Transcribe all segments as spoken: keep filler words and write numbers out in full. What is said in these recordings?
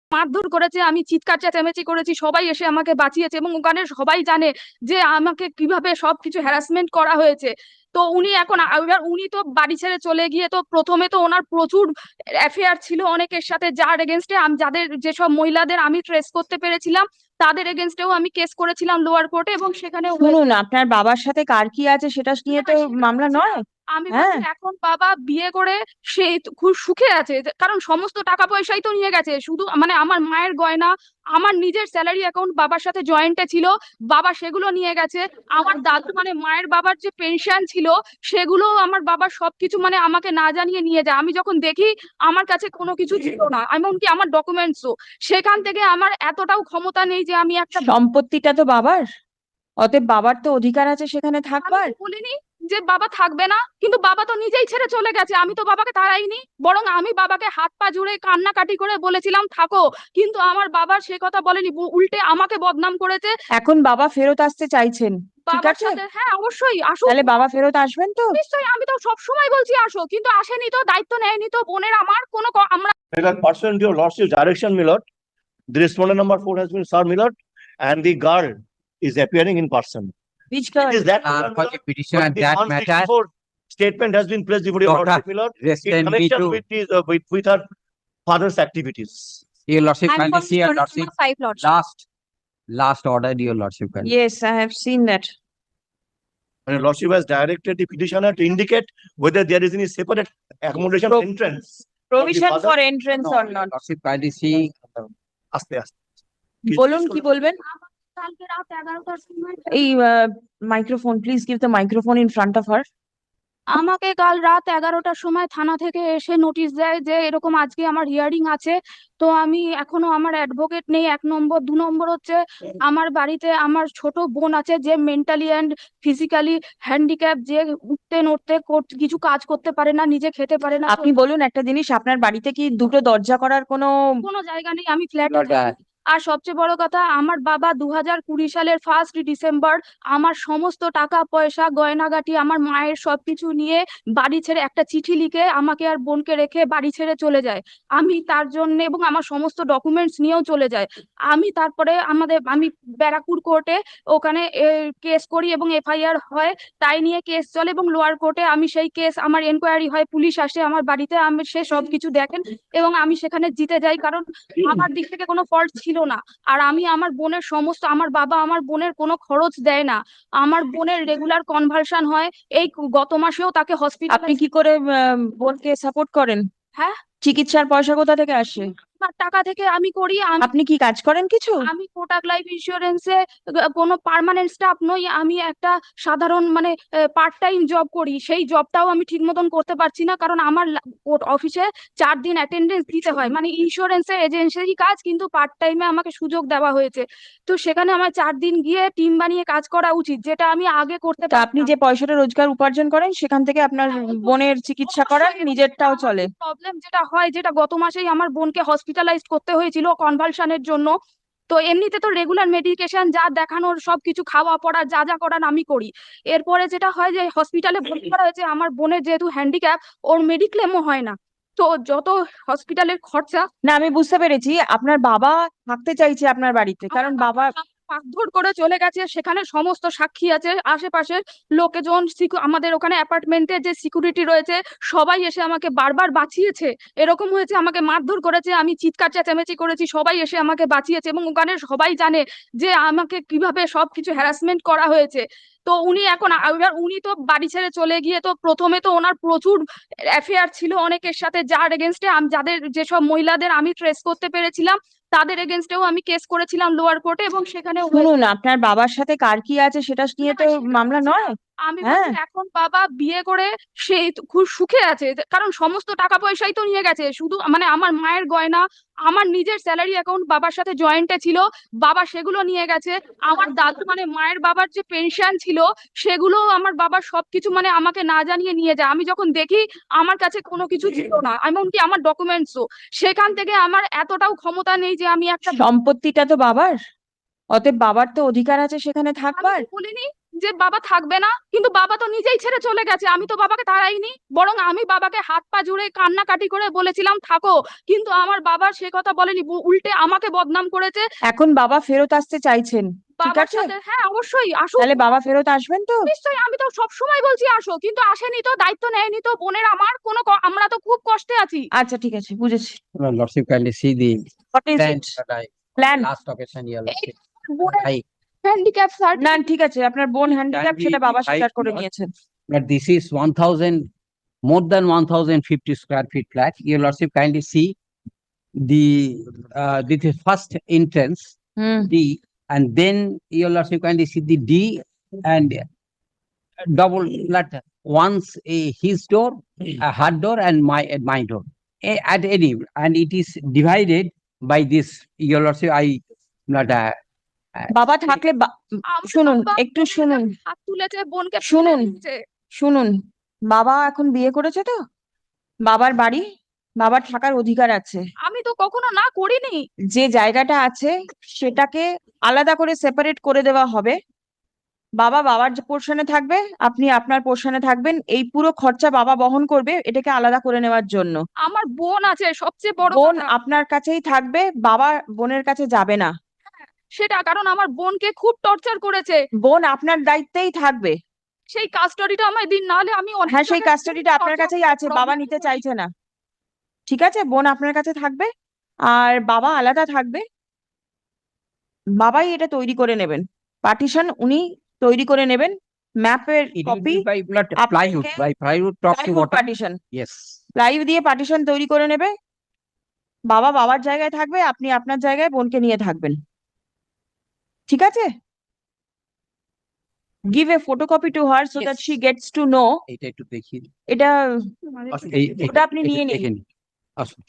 মারধর করেছে, আমি চিৎকার চেঁচামেচি করেছি, সবাই এসে আমাকে বাঁচিয়েছে এবং ওখানে সবাই জানে যে আমাকে কিভাবে সবকিছু হ্যারাসমেন্ট করা হয়েছে। তো উনি এখন এবার উনি তো বাড়ি ছেড়ে চলে গিয়ে, তো প্রথমে তো ওনার প্রচুর অ্যাফেয়ার ছিল অনেকের সাথে, যার এগেনস্টে আমি যাদের যেসব মহিলাদের আমি ট্রেস করতে পেরেছিলাম তাদের এগেনস্টেও আমি কেস করেছিলাম লোয়ার কোর্টে, এবং সেখানে শুনুন, আপনার বাবার সাথে কার কি আছে সেটা নিয়ে তো মামলা নয়। আমি হ্যাঁ, বলছি এখন বাবা বিয়ে করে সে তো খুব সুখে আছে, যে- কারণ সমস্ত টাকা পয়সাই তো নিয়ে গেছে, শুধু মানে আমার মায়ের গয়না, আমার নিজের স্যালারি অ্যাকাউন্ট বাবার সাথে জয়েন্টে ছিল, বাবা সেগুলো নিয়ে গেছে। আমার দাদু মানে মায়ের বাবার যে পেনশন ছিল সেগুলো আমার বাবা সবকিছু মানে আমাকে না জানিয়ে নিয়ে যায়। আমি যখন দেখি আমার কাছে কোনো কিছু ছিল না, এমনকি আমার ডকুমেন্টসও। সেখান থেকে আমার এতটাও ক্ষমতা নেই যে আমি একটা, সম্পত্তিটা তো বাবার, অতএব বাবার তো অধিকার আছে সেখানে আমি থাকবার। তো বলিনি যে বাবা থাকবে না, কিন্তু বাবা তো নিজেই ছেড়ে চলে গেছে, আমি তো বাবাকে তাড়াইনি, বরং আমি বাবাকে হাত পা জুড়ে কান্নাকাটি করে বলেছিলাম থাকো, কিন্তু আমার বাবা সে কথা বলেনি, উ- উল্টে আমাকে বদনাম করেছে। এখন বাবা ফেরত আসতে চাইছেন, ঠিক বাবার আছে? সাথে হ্যাঁ অবশ্যই আসুক। তাহলে বাবা ফেরত আসবেন তো? নিশ্চয়ই, আমি তো সব সময় বলছি আসো, কিন্তু আসেনি, তো দায়িত্ব নেয়নি তো বোনের আমার কোনো ক- আমরা That pursuant to your lordship's direction, my lord, the respondent number four has been served, my lord, and the girl is appearing in person. Which It girl? is that, Uh, my for lord, the petition but and the that one matter, sixty-four statement has been placed before your Doctor, lordship, my lord, just in send me connection to with his, uh, with, with her father's activities. your lordship, I'm kindly see your calling lordship, number five lordship. last, last order, your lordship. kindly. Yes, I have seen that. And your lordship has directed the petitioner to indicate whether there is any separate accommodation Pro- entrance. Provision father- for entrance No, or your not? lordship, kindly see, আস্তে আস্তে কি- বলুন, কি বলবেন? কালকে রাত এগারোটার সময় এই microphone, please give the microphone in front of her. আমাকে কাল রাত এগারোটার সময় থানা থেকে এসে নোটিশ দেয় যে এরকম আজকে আমার হিয়ারিং আছে। তো আমি এখনো আমার অ্যাডভোকেট নেই, এক নম্বর। দু নম্বর হচ্ছে আমার বাড়িতে আমার ছোট বোন আছে যে মেন্টালি অ্যান্ড ফিজিক্যালি হ্যান্ডিক্যাপ, যে উঠতে নড়তে কর- কিছু কাজ করতে পারে না, নিজে খেতে পারে না। আপনি বলুন একটা জিনিস, আপনার বাড়িতে কি দুটো দরজা করার কোনো? কোনো জায়গা নেই, আমি ফ্ল্যাটে Lord, uh, থাকি। আর সবচেয়ে বড় কথা, আমার বাবা দু হাজার কুড়ি সালের ফার্স্ট ডিসেম্বর আমার সমস্ত টাকা পয়সা গয়নাগাটি আমার মায়ের সবকিছু নিয়ে বাড়ি ছেড়ে একটা চিঠি লিখে আমাকে আর বোনকে রেখে বাড়ি ছেড়ে চলে যায়। আমি তার জন্য এবং আমার সমস্ত ডকুমেন্টস নিয়েও চলে যায়। আমি তারপরে আমাদের আমি ব্যারাকপুর কোর্টে ওখানে কেস করি এবং এফআইআর হয়, তাই নিয়ে কেস চলে, এবং লোয়ার কোর্টে আমি সেই কেস, আমার এনকোয়ারি হয়, পুলিশ আসে আমার বাড়িতে, আমি সে সবকিছু দেখেন এবং আমি সেখানে জিতে যাই, কারণ আমার দিক থেকে কোনো ফল্ট ছিল না। আর আমি আমার বোনের সমস্ত, আমার বাবা আমার বোনের কোনো খরচ দেয় না, আমার বোনের রেগুলার কনভালশন হয়। এই গত মাসেও তাকে হসপিটাল, আপনি কি করে আহ, বোনকে সাপোর্ট করেন? হ্যাঁ চিকিৎসার পয়সা কোথা থেকে আসে? আমার টাকা থেকে আমি করি। আমি আপনি কি কাজ করেন কিছু? আমি কোটাক লাইফ ইন্স্যুরেন্সে কোনো পার্মানেন্ট স্টাফ নই, আমি একটা সাধারণ মানে পার্ট টাইম জব করি। সেই জবটাও আমি ঠিক মতন করতে পারছি না, কারণ আমার অফিসে চার দিন অ্যাটেন্ডেন্স দিতে হয়, মানে ইন্স্যুরেন্সে এজেন্সিরই কাজ, কিন্তু পার্ট টাইমে আমাকে সুযোগ দেওয়া হয়েছে। তো সেখানে আমার চার দিন গিয়ে টিম বানিয়ে কাজ করা উচিত, যেটা আমি আগে করতে তা আপনি পারতাম। যে পয়সাটা রোজগার উপার্জন করেন সেখান থেকে আপনার বোনের চিকিৎসা করান, নিজেরটাও চলে? প্রবলেম যেটা হয়, যেটা গত মাসেই আমার বোনকে হসপিটালাইজ করতে হয়েছিল কনভালশনের জন্য। তো এমনিতে তো রেগুলার মেডিকেশন যা দেখানোর সবকিছু, খাওয়া পড়া যা যা করার আমি করি। এরপরে যেটা হয় যে হসপিটালে ভর্তি করা হয়েছে, আমার বোনের যেহেতু হ্যান্ডিক্যাপ, ওর মেডিক্লেমও হয় না। তো যত হসপিটালের খরচা, না, আমি বুঝতে পেরেছি আপনার বাবা থাকতে চাইছে আপনার বাড়িতে, কারণ বাবা মারধর করে চলে গেছে, সেখানে সমস্ত সাক্ষী আছে, আশেপাশের লোকজন, সিকিউ- আমাদের ওখানে অ্যাপার্টমেন্টে যে সিকিউরিটি রয়েছে সবাই এসে আমাকে বারবার বাঁচিয়েছে। এরকম হয়েছে আমাকে মারধর করেছে, আমি চিৎকার চেঁচামেচি করেছি, সবাই এসে আমাকে বাঁচিয়েছে, এবং ওখানে সবাই জানে যে আমাকে কিভাবে সবকিছু হ্যারাসমেন্ট করা হয়েছে। তো উনি এখন এবার উনি তো বাড়ি ছেড়ে চলে গিয়ে, তো প্রথমে তো ওনার প্রচুর অ্যাফেয়ার ছিল অনেকের সাথে, যার এগেনস্টে আমি যাদের যেসব মহিলাদের আমি ট্রেস করতে পেরেছিলাম তাদের এগেনস্টেও আমি কেস করেছিলাম লোয়ার কোর্টে, এবং সেখানে শুনুন, আপনার বাবার সাথে কার কি আছে সেটা নিয়ে তো মামলা নয়। আমি হ্যাঁ, বলছি এখন বাবা বিয়ে করে সে তো খুব সুখে আছে, যে- কারণ সমস্ত টাকা পয়সাই তো নিয়ে গেছে, শুধু মানে আমার মায়ের গয়না, আমার নিজের স্যালারি অ্যাকাউন্ট বাবার সাথে জয়েন্টে ছিল, বাবা সেগুলো নিয়ে গেছে। আমার দাদু মানে মায়ের বাবার যে পেনশন ছিল সেগুলো আমার বাবার সবকিছু মানে আমাকে না জানিয়ে নিয়ে যায়। আমি যখন দেখি আমার কাছে কোনো কিছু ছিল না, এমনকি আমার ডকুমেন্টসও। সেখান থেকে আমার এতটাও ক্ষমতা নেই যে আমি একটা, সম্পত্তিটা তো বাবার, অতএব বাবার তো অধিকার আছে সেখানে আমি থাকবার। তো বলিনি যে বাবা থাকবে না, কিন্তু বাবা তো নিজেই ছেড়ে চলে গেছে, আমি তো বাবাকে তাড়াইনি, বরং আমি বাবাকে হাত পা জুড়ে কান্নাকাটি করে বলেছিলাম থাকো, কিন্তু আমার বাবা সে কথা বলেনি, বু- উল্টে আমাকে বদনাম করেছে। এখন বাবা ফেরত আসতে চাইছেন, ঠিক বাবার আছে? সাথে হ্যাঁ অবশ্যই আসুক, তাহলে বাবা ফেরত আসবেন তো? নিশ্চয়ই, আমি তো সব সময় বলছি আসো, কিন্তু আসেনি তো, দায়িত্ব নেয়নি তো বোনের, আমার কোনো ক- আমরা তো খুব কষ্টে আছি। আচ্ছা ঠিক আছে, বুঝেছি। Your lordship kindly see the What is plan it? that I, Plan? last occasion, your lordship. বোনের I, হ্যান্ডিক্যাপ না সার্টিফিকেট, ঠিক আছে, আপনার বোন হ্যান্ডিক্যাপ be সেটা বাবা defined স্বীকার করে not- নিয়েছেন। but this is one thousand, more than one thousand fifty square feet flat. Your lordship kindly see the, uh, this is first entrance, hmm, D, and then your lordship kindly see the D and double flat, once a his door, a her door and my, at my door. A- At any, and it is divided by this, your lordship, I, not, uh, বাবা থাকলে বা- আমার শুনুন, বাবা একটু বোনের শুনুন, গায়ে হাত তুলেছে, বোনকে ফেলে শুনুন। দিয়েছে। শুনুন, বাবা এখন বিয়ে করেছে তো, বাবার বাড়ি, বাবার থাকার অধিকার আছে। আমি তো কখনো না করিনি। যে জায়গাটা আছে সেটাকে আলাদা করে সেপারেট করে দেওয়া হবে। বাবা বাবার যে পোর্শনে থাকবে, আপনি আপনার পোর্শনে থাকবেন, এই পুরো খরচা বাবা বহন করবে এটাকে আলাদা করে নেওয়ার জন্য। আমার বোন আছে, সবচেয়ে বড় বোন কথা আপনার কাছেই থাকবে, বাবা বোনের কাছে যাবে না। সেটা, কারণ আমার বোনকে খুব টর্চার করেছে। বোন আপনার দায়িত্বেই থাকবে। সেই কাস্টডিটা আমায় দিন, নাহলে আমি অনেক হ্যাঁ, সেই জায়গায় কাস্টডিটা আপনার torture কাছেই আছে, বাবা problem নিতে করি। চাইছে না। ঠিক আছে, বোন আপনার কাছে থাকবে আর বাবা আলাদা থাকবে। বাবাই এটা তৈরি করে নেবেন, পার্টিশন উনি তৈরি করে নেবেন, ম্যাপের it will copy, be by blood আপনাকে- plywood, by plywood top to bottom. Partition, Yes. Plywood দিয়ে পার্টিশন তৈরি করে নেবে। বাবা বাবার জায়গায় থাকবে, আপনি আপনার জায়গায় বোনকে নিয়ে থাকবেন, ঠিক আছে? Give a photocopy to her so that Yes. She gets to know. এটা একটু দেখি। এটা আসুন। এই- এই- ওটা আপনি এটা নিয়ে নিন। দেখে নিন। আসুন।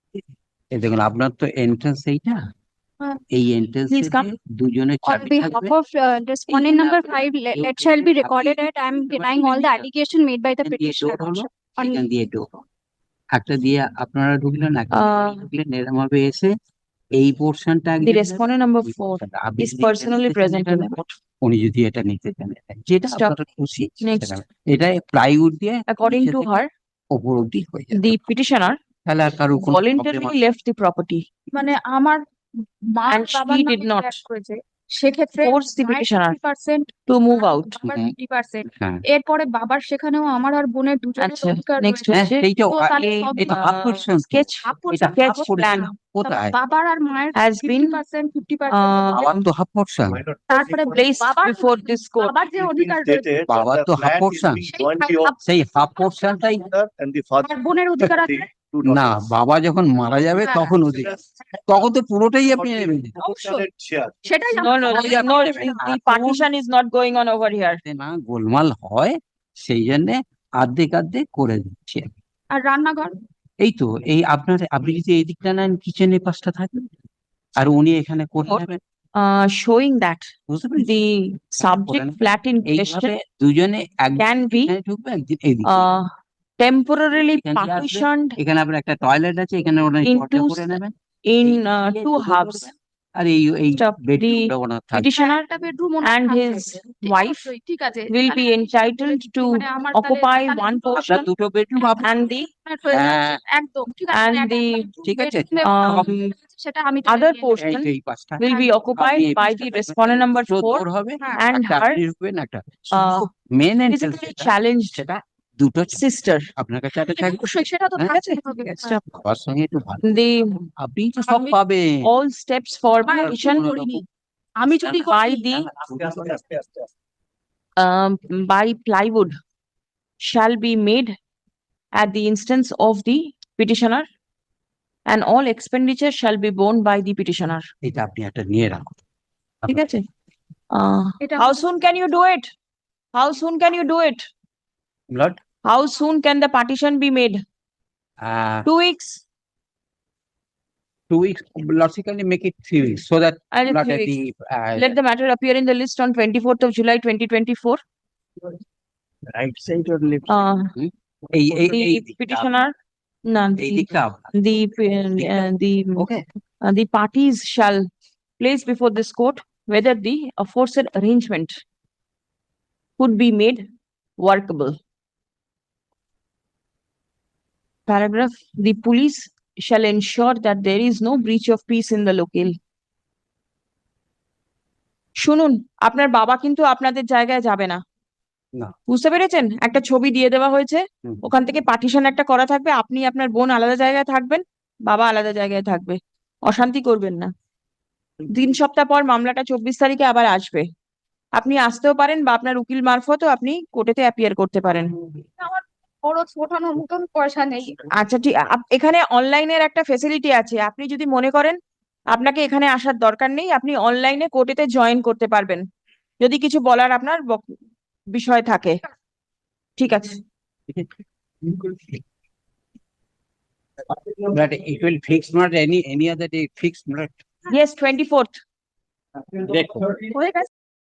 এই দেখুন, আপনার তো এন্ট্রান্স এইটা, হ্যাঁ। এই এন্ট্রান্স Please come. দুজনের On চাবি behalf থাকবে। of uh, respondent Even number after five, let you let shall be happy recorded that I am with the denying all the matter. allegation made by the এখান দিয়ে petitioner. door হলো, On এখান দিয়ে door। একটা দিয়ে আপনারা ঢুকলেন, একটা দিয়ে আহ, ঢুকলেন, এরকম ভাবে এসে এই পোর্শনটা The respondent number four is personally present in the court. উনি যদি এটা নিতে চান, যেটা Stop. আপনারা খুশি Next. সেটা। এটা প্লাইউড দিয়ে According নিচে to থেকে her, ওপর অব্দি হয়ে যাবে, the petitioner তাহলে আর কারো কোনো voluntarily problem left the property, মানে আমার মা And বাবার she নামে did not flat করেছে, সেক্ষেত্রে force the petitioner percent to move out. বাবার হুম। ফিফটি পার্সেন্ট, হ্যাঁ, এরপরে বাবার সেখানেও আমার আর বোনের দুজনের আচ্ছা, অধিকার next রয়েছে। হ্যাঁ, হচ্ছে সেইটাও তো আ- তাহলে a সব এটা half portion তো। sketch half এটা portion, half sketch portion। plan কোথায়? বাবার আর মায়ের has fifty been percent fifty uh, percent বাবার তো হাফ পোর্শন। তারপরে placed বাবার before this court. বাবার যে অধিকার রয়েছে, বাবার তো half portion। সেই হাফ পোর্শনটাই And the father. আর বোনের অধিকার আছে। two না, daughters. বাবা যখন মারা যাবে হ্যাঁ। তখন ওদের, তখন তো পুরোটাই আপনি নেবেন। অবশ্যই। Share. সেটাই No, আমার no, সবাই the- আপনি no, নেবেন। the the এখন partition is not going on over here. যাতে না গোলমাল হয়, সেই জন্য আর্ধেক আর্ধেক করে দিচ্ছি। আর রান্নাঘর এই তো, এই আপনার, আপনি যদি এই দিকটা নেন, কিচেনের পাশটা থাকবে, আর উনি এখানে করে What? নেবেন, Uh, showing that বুঝতে পেরেছেন? the subject নেবেন। flat in এইভাবে question দুজনে একদিন can be এখানে ঢুকবে, একদিন এইদিকে। uh temporarily এখান দিয়ে আসবে। partitioned এখানে আপনার একটা টয়লেট আছে, এখানে ওনার into দরজা করে নেবেন। in এই uh, দিয়ে two দুটো halves. করবেন, আর এই এই Stop. বেডরুমটা ওনার থাকবে। Petitioner একটা বেডরুম and his wife ঠিক আছে will be তাহলে আমি entitled to মানে আমার তাহলে- occupy তাহলে one দুটো আপনার portion দুটো বেডরুম and the flat হয়ে যাচ্ছে। হ্যাঁ। একদম ঠিক আছে and মানে একটা the- bedroom, ঠিক আছে। bedroom এবং um, সেটা আমি তাহলে other নিয়ে নেবো। portion এই তো এই পাঁচটা will be occupied আপনি এই by পাঁচটা the থাকবেন। respondent number দুটো four door হবে, হ্যাঁ, and একটা her আপনি ঢুকবেন, একটা uh, main entrance physically challenged সেটা দুটো ছিল। sister. আপনার কাছে একটা থাকবে, অবশ্যই সেটা তো হ্যাঁ, থাকতেই হবে। Stop. বাবার সঙ্গে একটু ভালো, The আপনি তো সব আমি- পাবেন। all steps for আমার petition কোনো করিনি। আমি যদি by করি- the um, by plywood shall be made at the instance of the petitioner and all expenditure shall be borne by the petitioner. এটা আপনি একটা নিয়ে রাখুন। ঠিক আছে? Uh, এটা how soon can you do it? How soon can you do it? Blood. How soon can the partition be made? Ah, Two weeks? two weeks, logically make it three weeks, so that And not three at weeks. the, uh, Let the matter appear in the list on twenty-fourth of July, twenty twenty-four. Right side or left? Uh, এই এই the এই দিকটা, petitioner, no, এই the, দিকটা আপনার। the, uh, the, Okay, uh, the parties shall place before this court whether the aforesaid arrangement could be made workable. Paragraph, the police shall ensure that there is no breach of peace in the locale. শুনুন, আপনার বাবা কিন্তু আপনাদের জায়গায় যাবে না। না। বুঝতে পেরেছেন? একটা ছবি দিয়ে দেওয়া হয়েছে, হুম। ওখান থেকে পার্টিশন একটা করা থাকবে, আপনি আপনার বোন আলাদা জায়গায় থাকবেন, বাবা আলাদা জায়গায় থাকবে। অশান্তি করবেন না। তিন সপ্তাহ পর মামলাটা চব্বিশ তারিখে আবার আসবে। আপনি আসতেও পারেন বা আপনার উকিল মারফতও আপনি কোর্টেতে অ্যাপিয়ার করতে পারেন। আমার খরচ ওঠানোর মতন পয়সা নেই। আচ্ছা ঠিক, আপ- এখানে অনলাইনের একটা ফেসিলিটি আছে, আপনি যদি মনে করেন আপনাকে এখানে আসার দরকার নেই, আপনি অনলাইনে কোর্টেতে জয়েন করতে পারবেন যদি কিছু বলার আপনার বক- বিষয় থাকে। ঠিক আছে। But it will fix not any, any other day, fixed not. Yes, twenty fourth. দেখো হয়ে গেছে।